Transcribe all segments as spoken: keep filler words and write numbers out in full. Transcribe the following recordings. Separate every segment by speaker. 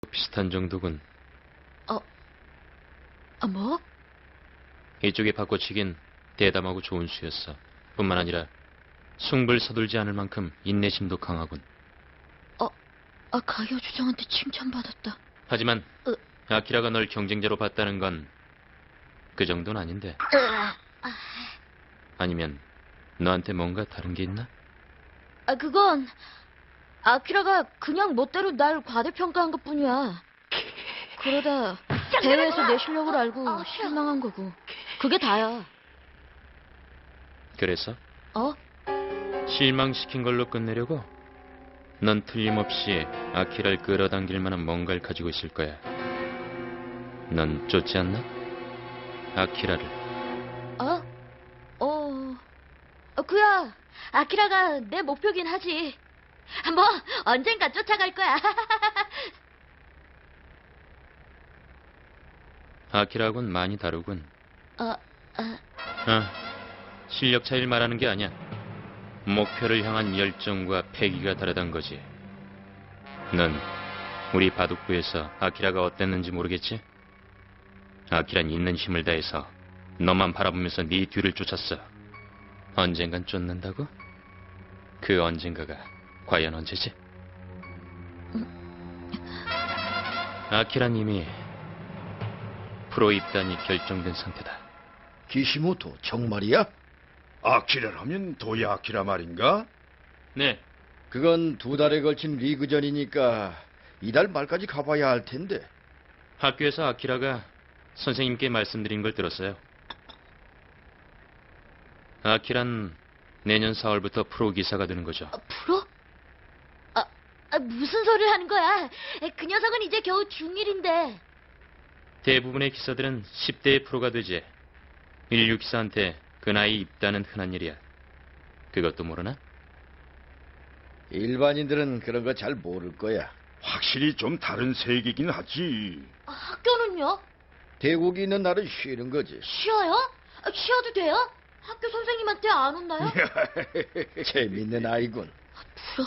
Speaker 1: 비슷한 정도군.
Speaker 2: 어, 아, 뭐?
Speaker 1: 이쪽이 바꿔치긴 대담하고 좋은 수였어. 뿐만 아니라 숭불 서둘지 않을 만큼 인내심도 강하군.
Speaker 2: 어, 아, 가이어 주장한테 칭찬받았다.
Speaker 1: 하지만
Speaker 2: 으.
Speaker 1: 아키라가 널 경쟁자로 봤다는 건 그 정도는 아닌데. 아니면 너한테 뭔가 다른 게 있나?
Speaker 2: 아, 그건 아키라가 그냥 멋대로 날 과대평가한 것뿐이야. 그러다 대회에서 내 실력을 알고 실망한 거고. 그게 다야.
Speaker 1: 그래서?
Speaker 2: 어?
Speaker 1: 실망시킨 걸로 끝내려고? 넌 틀림없이 아키라를 끌어당길 만한 뭔가를 가지고 있을 거야. 넌 쫓지 않나? 아키라를.
Speaker 2: 어? 어... 어, 그야. 아키라가 내 목표긴 하지. 뭐 언젠가 쫓아갈 거야.
Speaker 1: 아키라하고는 많이 다르군.
Speaker 2: 어, 어...
Speaker 1: 아, 실력 차이를 말하는 게 아니야. 목표를 향한 열정과 패기가 다르단 거지. 넌 우리 바둑부에서 아키라가 어땠는지 모르겠지? 아키란 있는 힘을 다해서 너만 바라보면서 네 뒤를 쫓았어. 언젠간 쫓는다고? 그 언젠가가 과연 언제지? 아키란 이미 프로 입단이 결정된 상태다.
Speaker 3: 기시모토 정말이야?
Speaker 4: 아키라라면 도야 아키라 말인가?
Speaker 1: 네,
Speaker 3: 그건 두 달에 걸친 리그전이니까 이달 말까지 가봐야 할 텐데.
Speaker 1: 학교에서 아키라가 선생님께 말씀드린 걸 들었어요. 아키란 내년 사월부터 프로 기사가 되는 거죠.
Speaker 2: 아, 프로? 아, 아, 무슨 소리를 하는 거야? 그 녀석은 이제 겨우 중일인데.
Speaker 1: 대부분의 기사들은 십 대의 프로가 되지. 인류 기사한테 그 나이 입단은 흔한 일이야. 그것도 모르나?
Speaker 3: 일반인들은 그런 거 잘 모를 거야.
Speaker 4: 확실히 좀 다른 세계긴 하지.
Speaker 2: 아, 학교는요?
Speaker 3: 대국이 있는 날은 쉬는 거지.
Speaker 2: 쉬어요? 아, 쉬어도 돼요? 학교 선생님한테 안 혼나요?
Speaker 3: 재밌는 아이군.
Speaker 2: 프로?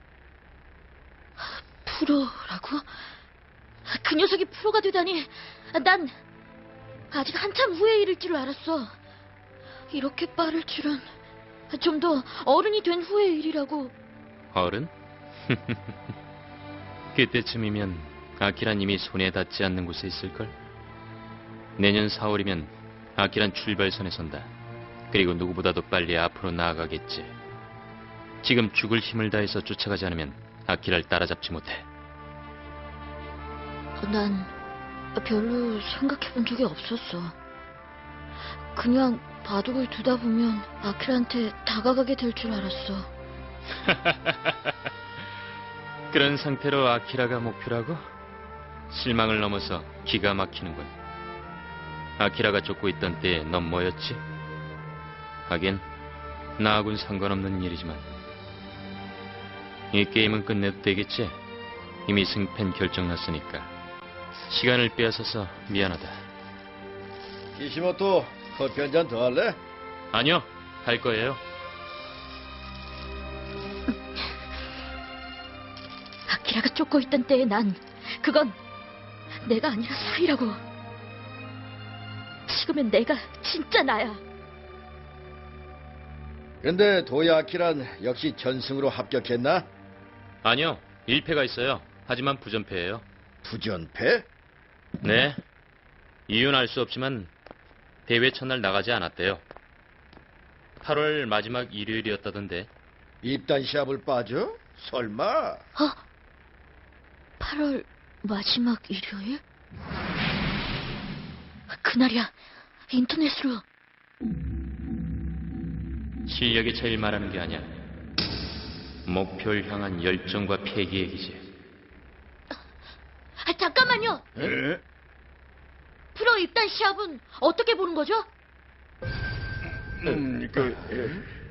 Speaker 2: 프로라고? 그 녀석이 프로가 되다니. 난 아직 한참 후의 일일 줄 알았어. 이렇게 빠를 줄은. 좀 더 어른이 된 후의 일이라고.
Speaker 1: 어른? 그때쯤이면 아키란 이미 손에 닿지 않는 곳에 있을걸? 내년 사월이면 아키란 출발선에 선다. 그리고 누구보다도 빨리 앞으로 나아가겠지. 지금 죽을 힘을 다해서 쫓아가지 않으면 아키라를 따라잡지 못해.
Speaker 2: 난 별로 생각해본 적이 없었어. 그냥 바둑을 두다 보면 아키라한테 다가가게 될 줄 알았어.
Speaker 1: 그런 상태로 아키라가 목표라고? 실망을 넘어서 기가 막히는군. 아키라가 쫓고 있던 때에 넌 뭐였지? 하긴 나하고는 상관없는 일이지만 이 게임은 끝내도 되겠지? 이미 승패는 결정났으니까. 시간을 빼앗아서 미안하다.
Speaker 3: 기시모토 커피 한 잔 더 할래?
Speaker 1: 아니요, 갈 거예요.
Speaker 2: 아키라가 쫓고 있던 때에 난 그건 내가 아니라 사이라고. 지금은 내가 진짜 나야.
Speaker 3: 근데 도야키란 역시 전승으로 합격했나?
Speaker 1: 아니요, 일 패가 있어요. 하지만 부전패예요.
Speaker 3: 부전패?
Speaker 1: 네, 이유는 알 수 없지만 대회 첫날 나가지 않았대요. 팔월 마지막 일요일이었다던데.
Speaker 3: 입단 시합을 빠져? 설마?
Speaker 2: 어? 팔월 마지막 일요일? 그날이야. 인터넷으로.
Speaker 1: 실력의 차이를 말하는 게 아니야. 목표를 향한 열정과 패기 얘기지.
Speaker 2: 아, 잠깐만요.
Speaker 4: 에?
Speaker 2: 프로 입단 시합은 어떻게 보는 거죠?
Speaker 4: 음, 그,